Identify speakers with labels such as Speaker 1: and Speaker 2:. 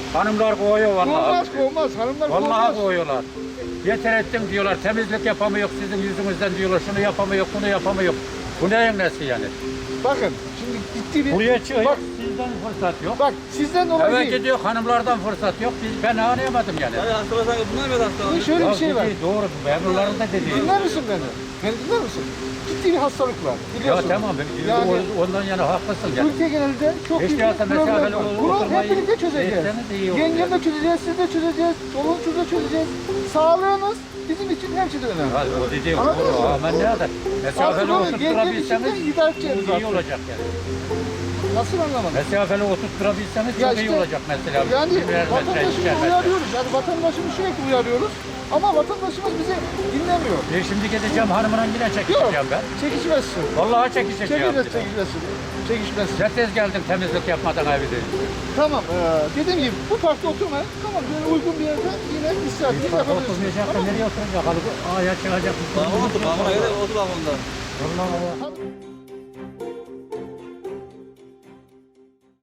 Speaker 1: Hanımlar koyuyor vallahi.
Speaker 2: Kovmaz kovmaz. Hanımlar
Speaker 1: Vallahi
Speaker 2: kovmaz.
Speaker 1: koyuyorlar. Yeter ettin diyorlar, temizlik yapamıyor sizin yüzünüzden diyorlar, şunu yapamıyor, bunu yapamıyor. Bu neyin nesi yani?
Speaker 2: Bakın şimdi ciddi bir...
Speaker 1: Buraya çıkıyor,
Speaker 2: Bak,
Speaker 1: sizden fırsat yok.
Speaker 2: bak sizden dolayı
Speaker 1: Evet
Speaker 2: değil.
Speaker 1: gidiyor, hanımlardan fırsat yok. Ben anlayamadım yani.
Speaker 3: Hadi hastalar bunlar mı hastalar?
Speaker 2: Şimdi şöyle bir şey var.
Speaker 1: Doğru, memurların da dediği.
Speaker 2: Dinler misin beni? Beni dinler misin? Ciddi bir hastalık var.
Speaker 1: Ya
Speaker 2: Biliyorsun.
Speaker 1: tamam,
Speaker 2: Yani
Speaker 1: ondan yana haklısın yani.
Speaker 2: ülke genelinde çok
Speaker 1: Hiç
Speaker 2: büyük bir
Speaker 1: değilse
Speaker 2: problem
Speaker 1: mesafeli
Speaker 2: var. Bunu hep
Speaker 1: oturmayı
Speaker 2: birlikte çözeceğiz.
Speaker 1: etseniz iyi olur
Speaker 2: Yengemle
Speaker 1: yani.
Speaker 2: çözeceğiz, siz de çözeceğiz, çoluğunuz da çözeceğiz. Sağlığınız bizim için her şeyden önemli.
Speaker 1: Ha, o dediği
Speaker 2: Anladın
Speaker 1: doğru
Speaker 2: mı?
Speaker 1: ama ne kadar? Mesafeli
Speaker 2: Aslında yengem
Speaker 1: oturtturabilseniz
Speaker 2: içinde idare edeceğiz
Speaker 1: iyi
Speaker 2: zaten.
Speaker 1: olacak yani.
Speaker 2: Nasıl anlamadın?
Speaker 1: Mesafeli oturtturabilseniz
Speaker 2: Ya
Speaker 1: çok iyi
Speaker 2: işte,
Speaker 1: olacak mesela.
Speaker 2: Yani
Speaker 1: Birer metre,
Speaker 2: vatandaşımızı
Speaker 1: ikişer metre.
Speaker 2: uyarıyoruz. Yani vatandaşımızı sürekli uyarıyoruz. Ama vatandaşımız bizi dinlemiyor.
Speaker 1: Şimdi gideceğim hanımla yine
Speaker 2: Yok,
Speaker 1: çekişeceğim ben.
Speaker 2: çekişmezsin.
Speaker 1: Vallahi çekişeceğim.
Speaker 2: Çekişmezsin. Çekişmezsin.
Speaker 1: Ne tez geldim temizlik yapmadan evde.
Speaker 2: Tamam, dediğim gibi bu parkta oturmayın. Tamam, böyle uygun bir yerde yine istirahatinizi yapabilirsiniz.
Speaker 1: Oturmayacak da
Speaker 2: Tamam mı?
Speaker 1: nereye oturacak? Alıp ayağa çıkacak.
Speaker 3: Bağımına otur, bağımına gidelim, otur bağımında.
Speaker 1: Vallahi.
Speaker 2: Hadi.